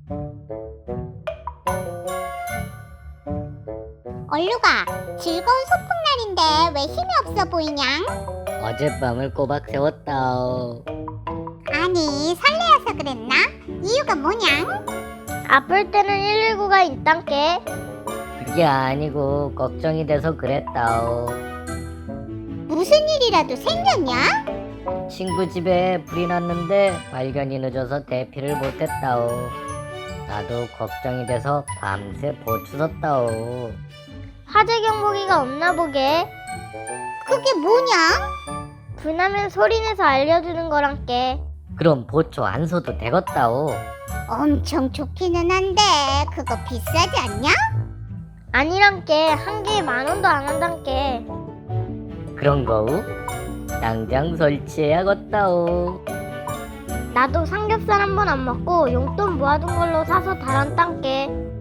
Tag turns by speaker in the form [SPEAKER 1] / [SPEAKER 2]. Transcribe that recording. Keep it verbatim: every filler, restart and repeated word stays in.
[SPEAKER 1] 얼루가, 즐거운 소풍날인데 왜 힘이 없어 보이냐?
[SPEAKER 2] 어젯밤을 꼬박 세웠다오.
[SPEAKER 1] 아니, 설레어서 그랬나? 이유가 뭐냐?
[SPEAKER 3] 아플 때는 일일구가 있단께.
[SPEAKER 2] 그게 아니고 걱정이 돼서 그랬다오.
[SPEAKER 1] 무슨 일이라도 생겼냐?
[SPEAKER 2] 친구 집에 불이 났는데 발견이 늦어서 대피를 못했다오. 나도 걱정이 돼서 밤새 보추 섰다오.
[SPEAKER 3] 화재 경보기가 없나 보게.
[SPEAKER 1] 그게 뭐냐?
[SPEAKER 3] 불나면 소리내서 알려주는 거란께.
[SPEAKER 2] 그럼 보초 안 서도 되겠다오.
[SPEAKER 1] 엄청 좋기는 한데 그거 비싸지 않냐?
[SPEAKER 3] 아니란께. 한 개에 만 원도 안 한단께.
[SPEAKER 2] 그런 거우? 당장 설치해야겠다오.
[SPEAKER 3] 나도 삼겹살 한 번 안 먹고 용돈 모아둔 걸로 사서 달았단께.